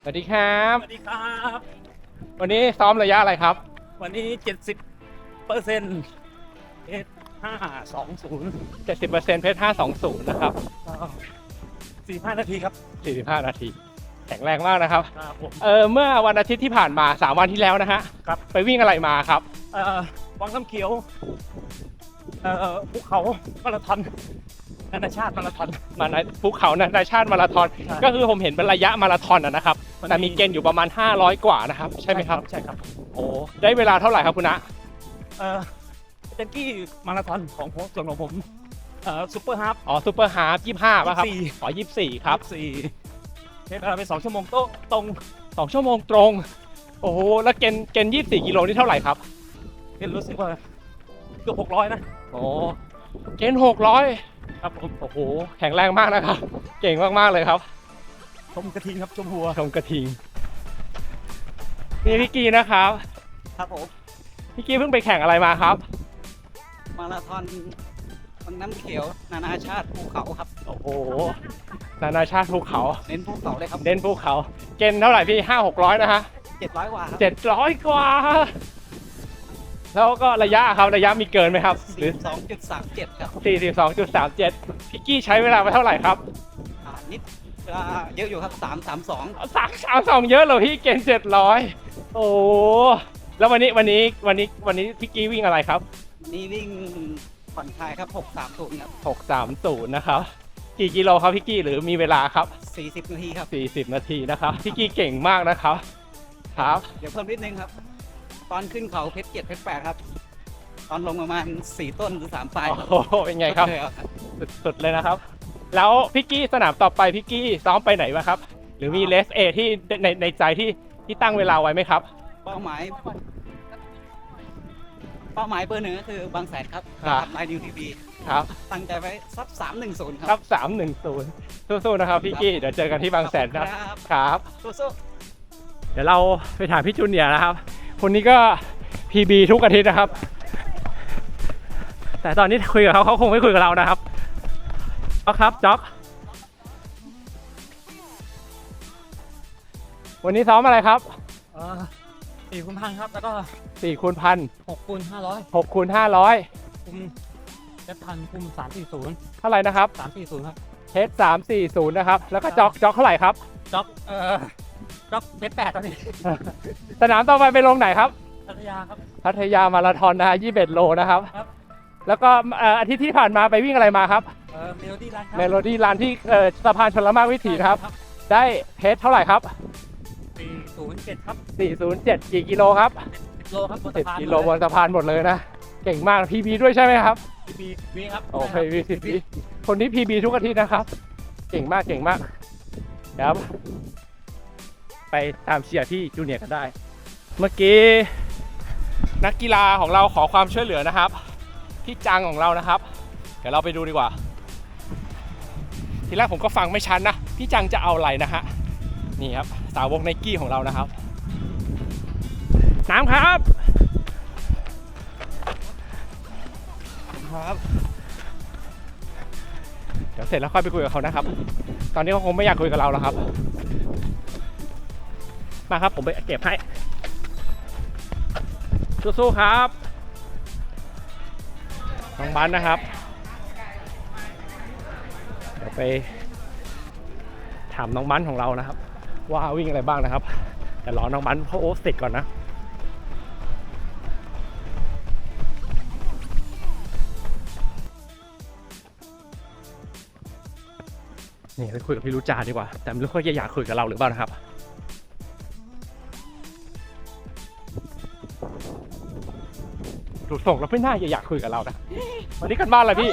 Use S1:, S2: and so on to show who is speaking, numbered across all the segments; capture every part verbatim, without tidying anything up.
S1: สวัสดีครับ
S2: สวัสดีครับ
S1: วันนี้ซ้อมระยะอะไรครับ
S2: วันนี้เจ็ดสิบเปอร์เซ็นต์เอสห้าสองศูนย์
S1: เจ็ดสิบเปอร์เซ็นต์ เพชรห้าสองศูนย์นะครับ
S2: สี่ห้านาทีครับ
S1: สี่สิบห้านาทีแข็งแรงมากนะครับ
S2: ครับผม
S1: เออเมื่อวันอาทิตย์ที่ผ่านมาสามวันที่แล้วนะฮะ
S2: ครับ
S1: ไปวิ่งอะไรมาครับ
S2: เอ่อวังน้ำเขียวเอ่อภูเขามาราธอนนานาชาติมาราธอน
S1: มาในภูเขานานาชาติมาราธอน
S2: ใช่
S1: ก็คือผมเห็นเป็นระยะมาราธอนอะนะครับ
S2: มันมี
S1: แต่มีเกณฑ์อยู่ประมาณห้าร้อยกว่านะครับใช่ไหมครับ
S2: ใช่ครับ
S1: โอ้ได้เวลาเท่าไหร่ครับคุณนะ
S2: เอ่อเจนกี้มาราธอนของผมส่วนของผมเอ่อซูเปอร์ฮาล์ฟ
S1: อ๋อซูเปอร์ฮาร์ฟยี่สิบห้าป่ะครับ
S2: ยี่สิบสี่
S1: อ๋อยี่สิบสี่ครับ
S2: สี่ใช้เวลาไปสองชั่วโมงโต๊ะตรง
S1: สองชั่วโมงตรง โอ้โหแล้วเกณฑ์เกณฑ์ยี่สิบสี่กิโลนี่เท่าไหร่ครับ
S2: เป็นรู้สึกว่าเกือบหกร้อยนะ
S1: โอ้เกณฑ์หกร้อย
S2: ครับผม
S1: โอ้โหแข็งแรงมากนะครับ เก่งมากๆเลยครับ
S2: ชมกระทิงครับชมหัว
S1: ชมกระทิงนี่พี่กีนะครับ
S3: ครับผม
S1: พี่กีเพิ่งไปแข่งอะไรมาครับ
S3: มาราธอนวังน้ำเขียวนานาชาติภูเขาครับ
S1: โอ้โหนานาชาติภูเขา
S3: เน้นภูเขาเลยครับ
S1: เน้นภูเขา เกณฑ์เท่าไหร่พี่ห้าหกร้อยนะฮะ
S3: เจ็ดร้อยกว่าครับ
S1: เจ็ดร้อยกว่า แล้วก็ระยะครับระยะมีเกินไหมครับ หรือ
S3: สองจุดสามเจ็ดครับ
S1: สี่สิบสองจุดสามเจ็ดพี่กี้ใช้เวลาไปเท่าไหร่ครับ
S3: อ่านิดเวลาเยอะอยู่ครับสามสามสอง
S1: สามสามสองเยอะเลยพี่เกณฑ์เจ็ดร้อยโอ้แล้ววันนี้วันนี้วันนี้วันนี้พี่กี้วิ่งอะไรครับ
S3: นี่วิ่งผ่อนคลายครับหกสามศูนย์ครับ
S1: หกสามศูนย์นะครับ กี่กิโลครับพี่กี้หรือมีเวลาครับ
S3: สี่สิบนาทีครับ
S1: สี่สิบนาทีนะครับพี่กี้เก่งมากนะครับครับ
S3: เดี๋ยวเพิ่มนิดนึงครับ ตอนขึ้นเขาเพชรเจ็ดเพชรแปดครับ ตอนลงประมาณสี่ต้นหรือสามปลาย
S1: โอ้โหเป็นไงครับ
S3: ก็เลยเอาครับ
S1: สุดๆเลยนะครับ แล้วพี่กี้สนามต่อไปพี่กี้ซ้อมไปไหนมาครับ หรือมีเลสเอที่ในในใจที่ที่ตั้งเวลาไว้ไหมครับ
S3: เป้าหมาย เป้าหมายเบอร์หนึ่งก็คือบางแสนครับ
S1: ครับ
S3: ไลน์นิวทีวี
S1: ครับ
S3: ตั้งใจไว้สักสามหนึ่งศูนย์ค
S1: ครั
S3: รั
S1: บบ สามหนึ่งศูนย์สู้ๆนะครับพี่กี้เดี๋ยวเจอกันที่บางแสนนะครับ ครับ
S3: สู้
S1: เดี๋ยวเราไปถามพี่จูเนียร์นะครับ คนนี้ก็ พี บี ทุกอาทิตย์นะครับ แต่ตอนนี้คุยกับเขาเขาคงไม่คุยกับเรานะครับจ๊อกครับจ๊อกวันนี้ซ้อมอะไรครับ
S2: เอ่อสี่คูณพันครับแล้วก็
S1: สี่คูณพัน
S2: หกคูณห้าร้อย
S1: หกคูณห้าร้อย
S2: คุมเจ็ดพันคุมสามสี่ศูนย์
S1: เท่าไหร่นะครับ
S2: สามสี่ศูนย์ครับ
S1: เทสสามสี่ศูนย์นะครับ แล้วก็จ๊อกจ๊อกเท่าไหร่ครับ
S2: จ็อกเอ่อจ็อกเพชรแปดตอนนี้
S1: สนามต่อไปไปลงไหนครับ
S2: พัทยาครับ
S1: พัทยามาราธอนนะฮะยี่สิบเอ็ดโลนะครับ
S2: ครับ
S1: แล้วก็เอ่ออาทิตย์ที่ผ่านมาไปวิ่งอะไรมาครับ
S2: เอ่อเมโลดี้รันครับ
S1: เมโลดี้รันที่เอ่อสะพานชลมารวิถีนะครับ ได้เพชรเท่าไหร่ครับ
S2: สี่ศูนย์เจ็ดครับ
S1: สี่ศูนย์เจ็ดกี่กิโลครับ
S2: สิบโลครับบน
S1: สิ
S2: สะ
S1: บ
S2: พาน
S1: กิโลบนสะพานหมดเลยนะ เก่งมาก พี บี ด้วยใช่ไหมครับ
S2: พีบีวีครับ
S1: โอเค พี บี คนนี้ พี บี ทุกอาทิตย์นะครับ เก่งมากเก่งมากครับ ไปตามเชียร์ที่จูเนียร์กันได้ เมื่อกี้นักกีฬาของเราขอความช่วยเหลือนะครับพี่จังของเรานะครับ เดี๋ยวเราไปดูดีกว่า ทีแรกผมก็ฟังไม่ชัดนะพี่จังจะเอาอะไรนะฮะนี่ครับสาวกไนกี้ของเรานะครับน้ำครับครับเดี๋ยวเสร็จแล้วค่อยไปคุยกับเขานะครับ ตอนนี้เขาคงไม่อยากคุยกับเราแล้วครับมาครับผมไปเก็บให้สู้ๆครับน้องบันนะครับเดี๋ยวไปถามน้องบันของเรานะครับว่าวิ่งอะไรบ้างนะครับแต่รอน้องบันเขาโอ๊ตเสร็จก่อนนะนี่ไปคุยกับพี่รู้จาดีกว่าแต่ไม่รู้เขาจะอยากคุยกับเราหรือเปล่านะครับดูส่งแล้วไม่น่าจะอยากคุยกับเรานะวันนี้กันบ้านอะไรพี่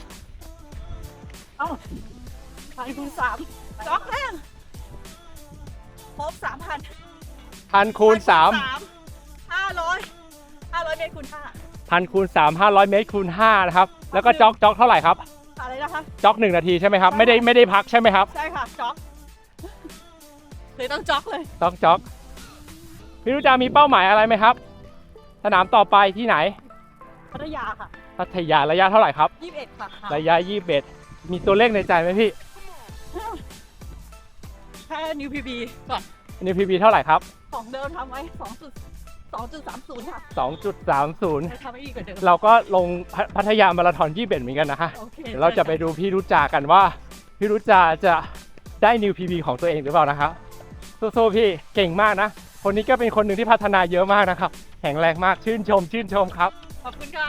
S4: พันคูณสามจ็อกแรงครบสามพัน
S1: พันคูณสาม
S4: ห้าร้อยห้าร้อยเมตรคูณห้า
S1: พันคูณสามห้าร้อยเมตรคูณห้านะครับแล้วก็จ็อกจ็อกเท่าไหร่ครับ
S4: อะไรนะคะ
S1: จ็อกหนึ่งนาทีใช่ไหมครับไม่ได้ไม่ได้พักใช่ไหมครับ
S4: ใช่ค่ะจ็อกเลยต้องจ็อกเลย
S1: จ็อกจ็อกพี่รู้จามีเป้าหมายอะไรไหมครับสนามต่อไปที่ไหน
S4: พัทยาค่ะ
S1: พัทยาระยะเท่าไหร่ครับ
S4: ยี่สิบเอ็ดค่ะ
S1: ระยะยี่สิบเอ็ดมีตัวเลขในใจไหมพี่
S4: แค่นิวพีบีก่อน
S1: นิว พี บี เท่าไหร่ครับ
S4: ของเดิมทำไว้สองจุดสองจุดสามศูนย์ค่ะ
S1: สองจุดสามศูนย์
S4: จะทำให้อีกกว่าเดิม
S1: เราก็ลงพัพัทยามาราธอนยี่สิบเอ็ดเหมือนกันนะฮะ
S4: โอเค
S1: เดี๋ยวเราจะไปดูพี่รุจากันว่าพี่รุจาจะได้นิว พี บี ของตัวเองหรือเปล่านะครับสู้ๆพี่เก่งมากนะ คนนี้ก็เป็นคนหนึ่งที่พัฒนาเยอะมากนะครับแข็งแรงมากชื่นชม ชื่นชมครับ
S4: ขอบคุณค่ะ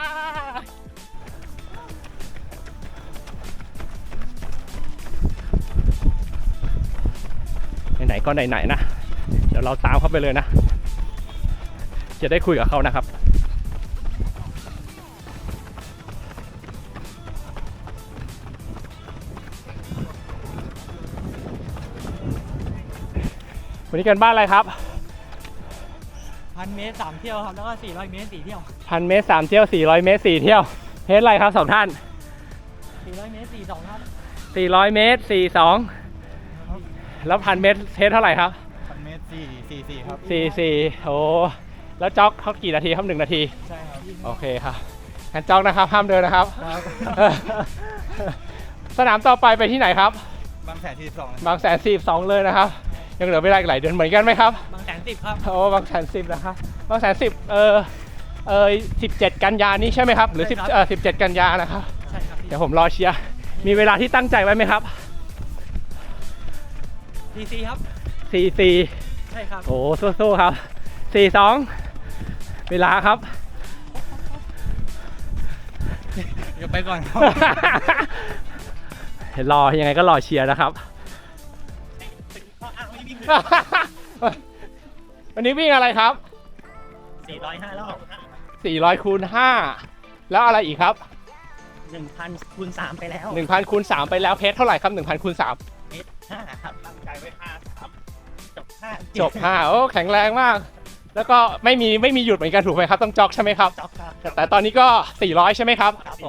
S1: ไหนๆก็ไหนๆนะ เดี๋ยวเราตามเข้าไปเลยนะ จะได้คุยกับเขานะครับ วันนี้กันบ้านอะไรครับ
S3: พันเมตรสามเที่ยวครับ แล้วก็สี่ร้อยเมตรสี่เที่ยว
S1: พันเมตรสามเที่ยวสี่ร้อยเมตรสี่เที่ยวเฮดอะไรครับสองท่าน
S3: สี่ร้อยเมตรสี่สองครับ
S1: สี่ร้อยเมตรสี่สองแล้วพันเมตรเฮดเท่าไหร่ครับ
S3: พันเมตรสี่สี่สี่ครับ
S1: สี่สี่โอ้แล้วจ็อกเขากี่นาทีครับหนึ่งนาที
S3: ใช่ครับ
S1: โอเคครับงั้นจ็อกนะครับห้ามเดินนะครับ
S3: ครับ
S1: สนามต่อไปไปที่ไหนครับ
S3: บางแสนสี่สิบสอง
S1: บางแสนสี่สิบสองเลยนะครับ ยังเหลือเวลาอีกหลายเดือนเหมือนกันไหมครับ
S3: บางแสนสิบครับ
S1: โอ้บางแสนสิบนะครับบางแสนสิบเออเออสิบเจ็ดกันยานี้ใช่ไหมครับหรือสิบเออสิบเจ็ดกันยานะครับ
S3: ใช่ครับ
S1: เดี๋ยวผมรอเชียร์มีเวลาที่ตั้งใจไว้ไหมครับ
S3: ดีซีครับ
S1: สี่สี่
S3: ใช่ครับ
S1: โอ้สู้ๆครับสี่สองเวลาครับ
S3: เดี๋ยวไปก่อนครับ
S1: เห็นรอยังไงก็รอเชียร์นะครับ วันนี้วิ่งอะไรครับ
S3: สี่ร้อยห้ารอบ
S1: สี่ร้อยคูณห้าแล้วอะไรอีกครับ
S3: หนึ่งพันคูณสามไปแล้ว
S1: หนึ่งพันคูณสามไปแล้วเพชรเท่าไหร่ครับหนึ่งพันคูณสาม
S3: เมตรห้าครับตั้งใจไว้ห้าสามจบห้า
S1: จบห้าโอ้แข็งแรงมาก แล้วก็ไม่มีไม่มีหยุดเหมือนกันถูกไหมครับต้องจ็อกใช่ไหมครับ
S3: จบครับ
S1: แต่แต่ตอนนี้ก็สี่ร้อยใช่ไหมครับ
S3: ครับผม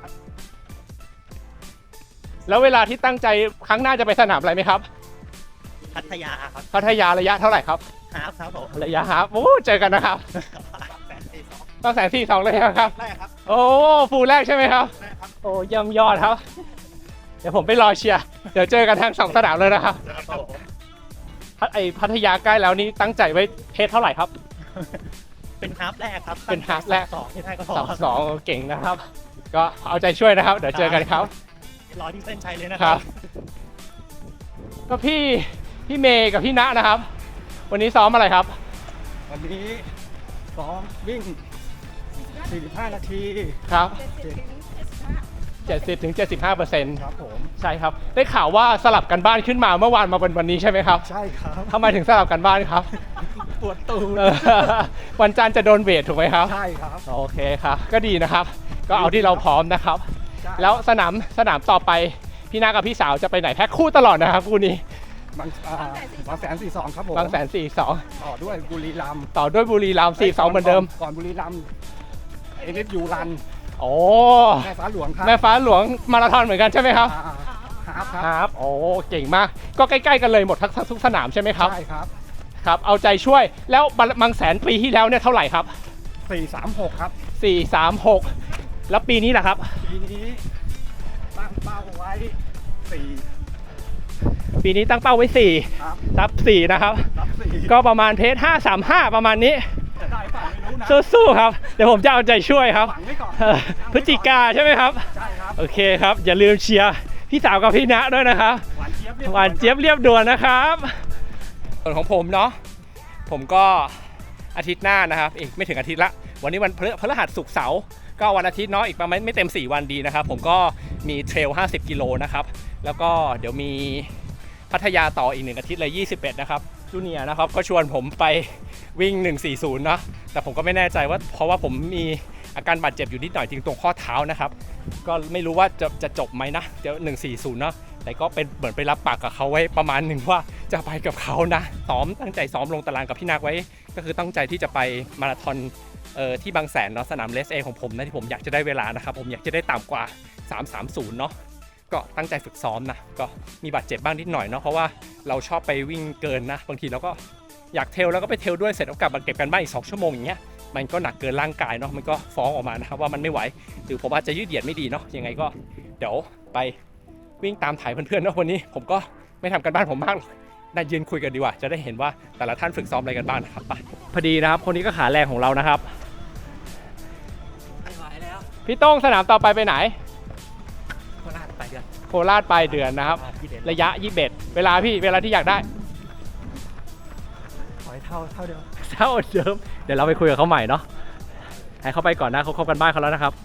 S1: แล้วเวลาที่ตั้งใจครั้งหน้าจะไปสนามอะไรไหมครับ
S3: พัทยาครับ
S1: พัทยาระยะเท่าไหร่ครับ
S3: ฮาฟครับผม
S1: ระยะฮาล์ฟโอ้เจอกันนะครับ
S3: แสนสี่สอง
S1: ต้องแสนสี่สองเลยครับ
S3: ได้ครับ
S1: โอ้ฟูลแรกใช่ไหมครับ
S3: ได้ครับ
S1: โอ้เยี่ยมยอดครับ เดี๋ยวผมไปรอเชียร์เดี๋ยวเจอกันทั้งสองสนามเลยนะครับ
S3: ครับผม
S1: พัทไอพัทยาใกล้แล้วนี่ตั้งใจไว้เพจเท่าไหร่ครับ
S3: เป็นฮาฟแรกครับ
S1: เป็นฮาล์ฟแรก
S3: สองที่ได้ก็พอ
S1: สองสองเก่งนะครับ ก็เอาใจช่วยนะครับ เดี๋ยวเจอกันครับ
S3: รอที่เส้นชัยเลยนะ
S1: ค
S3: ค
S1: รั
S3: รับ บ
S1: ก็พี่พี่เมย์กับพี่ณนะครับ วันนี้ซ้อมอะไรครับ
S3: วันนี้ซ้อมวิ่ง สี่สิบห้า นาที
S1: ครับ
S4: เจ็ดสิบถึงเจ็ดสิบห้า
S1: เจ็ดสิบถึงเจ็ดสิบห้าเปอร์เซ็นต์
S3: ครับผม
S1: ใช่ครับ ได้ข่าวว่าสลับกันบ้านขึ้นมาเมื่อวานมาเป็นวันนี้ใช่ไหมครับ
S3: ใช่ครับ
S1: ทำไมถึงสลับกันบ้านครับ
S3: ปวดตูด
S1: เออวันจันทร์จะโดนเวทถูกไหมครับ
S3: ใช่ครับ
S1: โอเคครับ ก็ดีนะครับ ก็เอาที่เราพร้อมนะครับ
S3: ใช่
S1: แล้วสนามสนามต่อไปพี่นากับพี่สาวจะไปไหนแพ็คคู่ตลอดนะครับคู่นี้
S3: บางอ่าบางแสนสี่สองครับผม
S1: บางแสนสี่สอง
S3: ต่อด้วยบุรีรัมย์
S1: ต่อด้วยบุรีรัมย์สี่สองเหมือนเดิม
S3: ก่อนบุรีรัมย์เอเนยูรัน
S1: โอ้
S3: แม่ฟ้าหลวงครับ
S1: แม่ฟ้าหลวงมาราธอนเหมือนกันใช่ไหมครับ
S3: อ่าฮาฟค
S1: ค
S3: รั
S1: รับ บโอ้เก่งมาก ก็ใกล้ๆกันเลยหมดทั้งทุกสนามใช่ไหมครับ
S3: ใช่ครับ
S1: ครับ เอาใจช่วย แล้วบางแสนปีที่แล้วเนี่ยเท่าไหร่ครับ
S3: สี่สามหกครับ
S1: สี่สามหกแล้วปีนี้ล่ะครับ
S3: ปีนี้ตั้งเป้าไว้สี่
S1: ปีนี้ตั้งเป้าไว้สี่
S3: ครับ
S1: รับสี่นะครับ
S3: รับสี่
S1: ก็ประมาณเพจห้าสามห้าประมาณนี้
S3: จะได้เปล่าไม่รู้นะ
S1: สู้ๆครับ เดี๋ยวผมจะเอาใจช่วยครับ
S3: ฝังไว้ก่อน
S1: เอ่อพฤศจิกาใช่ไหมครับ
S3: ใช่ครับ
S1: โอเคครับ อย่าลืมเชียร์พี่สาวกับพี่ณด้วยนะครับ
S3: หวานเจี๊ยบรีบ
S1: หวานเจี๊ยบเรียบด่วนนะครับส่วนของผมเนาะผมก็อาทิตย์หน้านะครับอีกไม่ถึงอาทิตย์ละวันนี้วันพฤพฤหัสศุกร์เสาร์ก็วันอาทิตย์เนาะอีกประมาณไม่เต็มสี่วันดีนะครับผมก็มีเทรลห้าสิบกิโลนะครับแล้วก็เดี๋ยวมีพัทยาต่ออีกหนึ่งอาทิตย์เลยยี่สิบเอ็ดนะครับจูเนียร์นะครับก็ชวนผมไปวิ่งหนึ่งสี่ศูนย์เนาะแต่ผมก็ไม่แน่ใจว่าเพราะว่าผมมีอาการบาดเจ็บอยู่นิดหน่อยจริงตรงข้อเท้านะครับก็ไม่รู้ว่าจะจะจบไหมนะเดี๋ยวหนึ่งสี่ศูนย์เนาะแต่ก็เป็นเหมือนไปรับปากกับเขาไว้ประมาณหนึ่งว่าจะไปกับเขานะซ้อมตั้งใจซ้อมลงตารางกับพี่นักไว้ก็คือตั้งใจที่จะไปมาราธอนเอ่อที่บางแสนเนาะสนามเลสเอของผมนะที่ผมอยากจะได้เวลานะครับผมอยากจะได้ต่ำกว่าสามสามศูนย์เนาะก็ตั้งใจฝึกซ้อมนะก็มีบาดเจ็บบ้างนิดหน่อยเนาะเพราะว่าเราชอบไปวิ่งเกินนะบางทีเราก็อยากเทรลแล้วก็ไปเทรลด้วยเสร็จแล้วกลับมาเก็บกันบ้านอีกสองชั่วโมงอย่างเงี้ยมันก็หนักเกินร่างกายเนาะมันก็ฟ้องออกมานะครับว่ามันไม่ไหวหรือผมอาจจะยืดเหยียดไม่ดีเนาะยังไงก็เดี๋ยวไปวิ่งตามถ่ายเพื่อนๆเนาะวันนี้ผมก็ไม่ทำกันบ้านผมมากหรอกได้ยืนคุยกันดีกว่าจะได้เห็นว่าแต่ละท่านฝึกซ้อมอะไรกันบ้างนะครับไปพอดีนะครับคนนี้ก็ขาแรงของเรานะครับ
S3: ไม่ไหวแล้ว
S1: พี่โต้งสนามต่อไปไปไหน
S3: โคราชไปเดือน
S1: โคราชปลายเดือนนะครับ ระยะยี่สิบเอ็ดเวลาพี่เวลาที่อยากได้
S3: ขอให้เท่าเท่าเดิม
S1: เท่าเดิมเดี๋ยวเราไปคุยกับเขาใหม่เนาะให้เขาไปก่อนนะเขาเข้ากันบ้านเขาแล้วนะครับ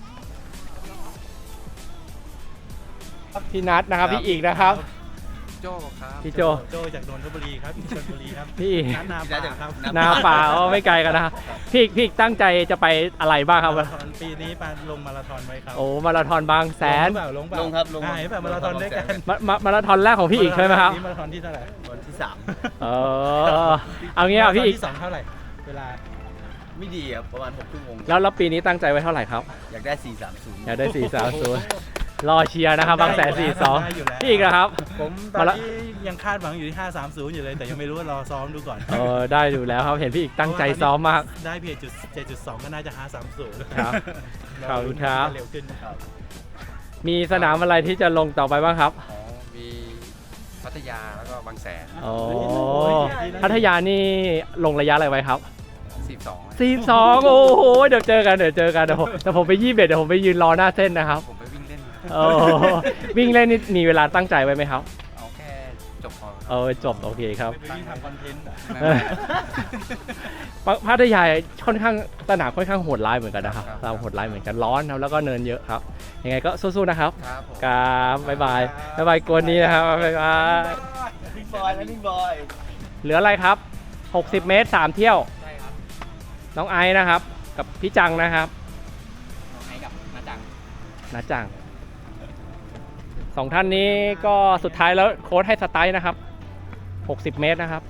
S1: พี่นัทนะครับพี่อีกนะครับ
S3: โจครับ
S1: พี่โจ
S2: โจจากนนทบุรีครับชลบุรีครับ
S1: พี่อีก
S2: นัดนาป่าครับ
S1: นาป่าอ๋อไม่ไกลกันนะครับพี่อีกพี่อีกตั้งใจจะไปอะไรบ้างครับ
S2: มาราธอนปีนี้ปาลงมาราธอนไว้ครับ
S1: โอ้มาราธอนบางแสน
S2: ลงเปล่าลงเปล่า
S3: ลงครับลง
S2: อ่าเห็นแบบมาราธอนด้วยกัน
S1: มามามาราธอนแรกของพี่อีกใช่ไหมครับ
S2: นี่มาราธอนที่เท่าไหร่
S3: วันที่สาม
S1: เออเอางี้อ่ะพี่อีก
S2: ที่สองเท่าไหร่เวลา
S3: ไม่ดีครับประมาณหกชั่วโมง
S1: แล้วแล้วปีนี้ตั้งใจไว้เท่าไหร่ครับ
S3: อยากได้สี่สามศูนย์
S1: อยากได้สี่สามศูนย์รอเชียร์นะครับบางแสนสี่สอง
S2: ได้อยู่แล้ว
S1: พี่อีกนะครับ
S2: ผมตอนนี้ยังคาดหวังอยู่ที่ห้าสามศูนย์อยู่เลยแต่ยังไม่รู้ว่ารอซ้อมดูก่อน
S1: เออได้อยู่แล้วครับเห็นพี่อีกตั้งใจซ้อมมาก
S2: ได้เพียงจุดเจ็ดจุดสองก็น่าจะห้าสามศูนย์
S1: ครับ ขอบคุณครับ
S2: เร็วขึ้นครับ
S1: มีสนามอะไรที่จะลงต่อไปบ้างครับ
S5: อ๋อ มีพัทยาแล้วก็บางแสน
S1: อ๋อพัทยานี่ลงระยะอะไรไว้ครับ
S5: สิบสอง
S1: สี่สองโอ้โหเดี๋ยวเจอกันเดี๋ยวเจอกันเดี๋ยวผมแต่ผมไปยี่สิบเอ็ดเดี๋ยวผมไปยืนรอหน้าเส้นนะครับ
S5: ผมไปวิ่งเล่น
S1: โอ้วิ่งเล่นนี่มีเวลาตั้งใจไว้ไหมครับ
S5: เอาแค่จบพอ
S1: เออจบโอเคครับ
S2: ไปวิ่งทำคอนเทนต์อะ
S5: ไม่
S1: เออพัทยาค่อนข้างสนามค่อนข้างโหดร้ายเหมือนกันนะครับเราโหดร้ายเหมือนกันร้อนครับแล้วก็เนินเยอะครับยังไงก็สู้ๆนะครับ
S5: ครับผม
S1: ครับบ๊ายบายบ๊ายบายกวนนี้นะครับบ๊ายบาย
S3: นิ่งบอยนิ่งบอย
S1: เหลืออะไรครับหกสิบเมตรสามเที่ยว
S3: ใช่ครับ
S1: น้องไอซ์นะครับกับพี่จังนะครับ
S3: น้องไอ้กับนาจัง
S1: นะจังสองท่านนี้ก็สุดท้ายแล้วโค้ชให้สไตล์นะครับหกสิบเมตรนะครับ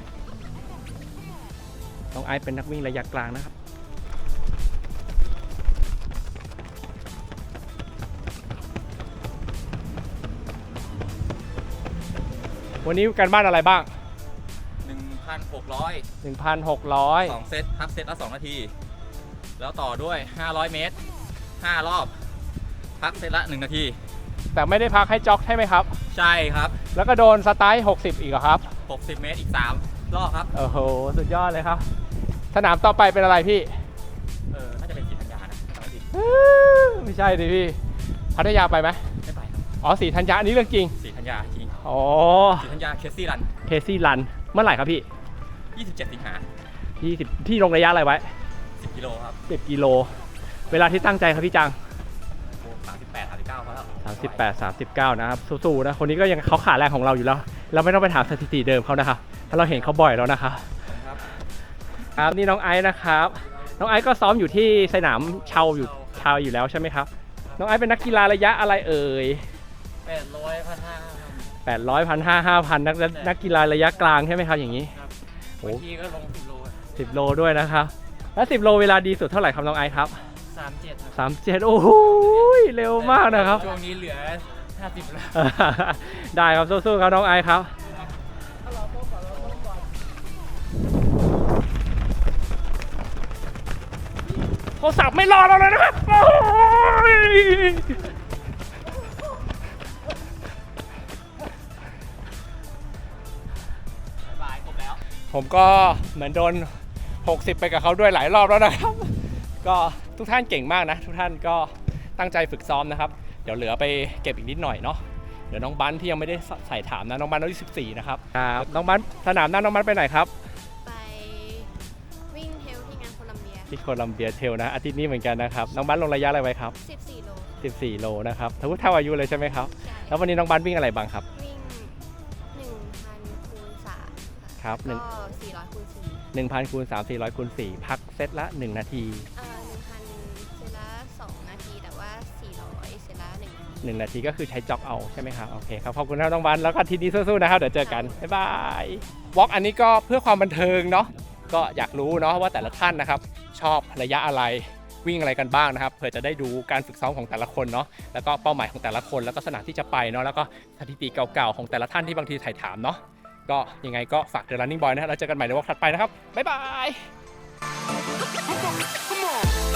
S1: น้องไอซ์เป็นนักวิ่งระยะกลางนะครับวันนี้การบ้านอะไรบ้าง
S6: หนึ่งพันหกร้อย
S1: หนึ่งพันหกร้อย
S6: สองเซตพักเซตละสองนาที แล้วต่อด้วยห้าร้อยเมตรห้ารอบ พักเซตละหนึ่งนาที
S1: แต่ไม่ได้พักให้จ็อกใช่ไหมครับ
S6: ใช่ครับ
S1: แล้วก็โดนสไตล์หกสิบอีกเหรอครับ
S6: หกสิบเมตรอีกสามรอบครับ
S1: โอ้โหสุดยอดเลยครับสนามต่อไปเป็นอะไรพี่
S6: เออ น่าจะเป็นสีธัญญานะจำไม่ผิด
S1: ไม่ใช่ดิพี่พัทยาไปไหม
S6: ไม่ไปครับ
S1: อ๋อสีธัญญาอันนี้เรื่องจริง
S6: สีธัญญาจริง
S1: อ๋อ
S6: สีธัญญาเคสซี่รัน
S1: เคซี่รันเมื่อไหร่ครับพี่
S6: ยี่สิบเจ็ดสิงหา
S1: ยี่สิบพี่ลงระยะอะไรไว้
S6: สิบกิโลครับ
S1: สิบกิโลเวลาที่ตั้งใจครับพี่จัง
S6: โอ้สามสิบแปดสามสิบเก้าพอแล้ว
S1: สามสิบแปด สามสิบเก้านะครับสู้ๆนะคนนี้ก็ยังเขาขาแรงของเราอยู่แล้ว เราไม่ต้องไปถามสถิติเดิมเขานะครับเพราะเราเห็นเขาบ่อยแล้วนะครับ
S6: ครับ
S1: ครับนี่น้องไอซ์นะครับน้องไอซ์ก็ซ้อมอยู่ที่สนามเชาอยู่เชาอยู่แล้วใช่ไหมครับน้องไอซ์เป็นนักกีฬาระยะอะไรเอ่ย
S3: แปดร้อยพันห้า
S1: แปดร้อย พันห้า ห้าพันนักนักกีฬาระยะกลางใช่ไหมครับอย่างนี้ โอ้
S3: บางทีก็ลงสิบโล
S1: สิบโลด้วยนะครับแล้วสิบโลเวลาดีสุดเท่าไหร่ครับน้องไอซ์ครับ
S3: สามเจ็ดครับ
S1: สามเจ็ดโอ้โหเร็วมากนะครับ
S3: ช่วงนี้เหลือห้าสิบแล้ว
S1: ได้ครับสู้ๆครับน้องไอซ์ครับโทรศัพท์ไม่รอเราเลยนะครับโอ้ยผมก็เหมือนโดนหกสิบไปกับเขาด้วยหลายรอบแล้วนะครับ ก็ทุกท่านเก่งมากนะทุกท่านก็ตั้งใจฝึกซ้อมนะครับเดี๋ยวเหลือไปเก็บอีกนิดหน่อยเนาะเดี๋ยวน้องบันที่ยังไม่ได้ใส่ถามนะน้องบันอายุสิบสี่นะครับครับน้องบันสนามหน้าน้องบันไปไหนครับ
S7: ไปวิ่งเทลที่งานโคลัมเบีย
S1: ที่โคลัมเบียเทลนะอาทิตย์นี้เหมือนกันนะครับน้องบันลงระยะอะไรไว้ครับ
S7: สิบสี่โล
S1: สิบสี่โลนะครับทั้งเท่าอายุเลยใช่ไหมครับ
S7: ใช่
S1: แล้ววันนี้น้องบันวิ่งอะไรบ้างครับ
S7: วิ่งหนึ่งพันคูณสาม
S1: ครับหนึ่ง
S7: ก็สี่ร้อยคูณสี่
S1: หนึ่งพันคูณสามสี่ร้อยคูณสี่พักเซตละหนึ่งนาที
S7: เอ่อหนึ่งพันเซตละสองนาที แต่ว่าสี่ร้อยเซตละหนึ่งนาที
S1: หนึ่งนาทีก็คือใช้จ็อกเอาใช่ไหมครับโอเคครับขอบคุณครับน้องบันแล้วก็อาทีนี้สู้ๆนะครับเดี๋ยวเจอกันบ๊ายบายวอล์กอันนี้ก็เพื่อความบันเทิงเนาะก็อยากรู้เนาะว่าแต่ละท่านนะครับชอบระยะอะไรวิ่งอะไรกันบ้างนะครับเผื่อจะได้ดูการฝึกซ้อมของแต่ละคนเนาะแล้วก็เป้าหมายของแต่ละคนแล้วก็สนามที่จะไปเนาะแล้วก็สถิติเก่าๆของแต่ละท่านที่บางทีถ่ายถามเนาะก็ยังไงก็ฝาก The Running Boy นะฮะแล้วเจอกันใหม่ในวอล์กถัดไปนะครับบ๊ายบาย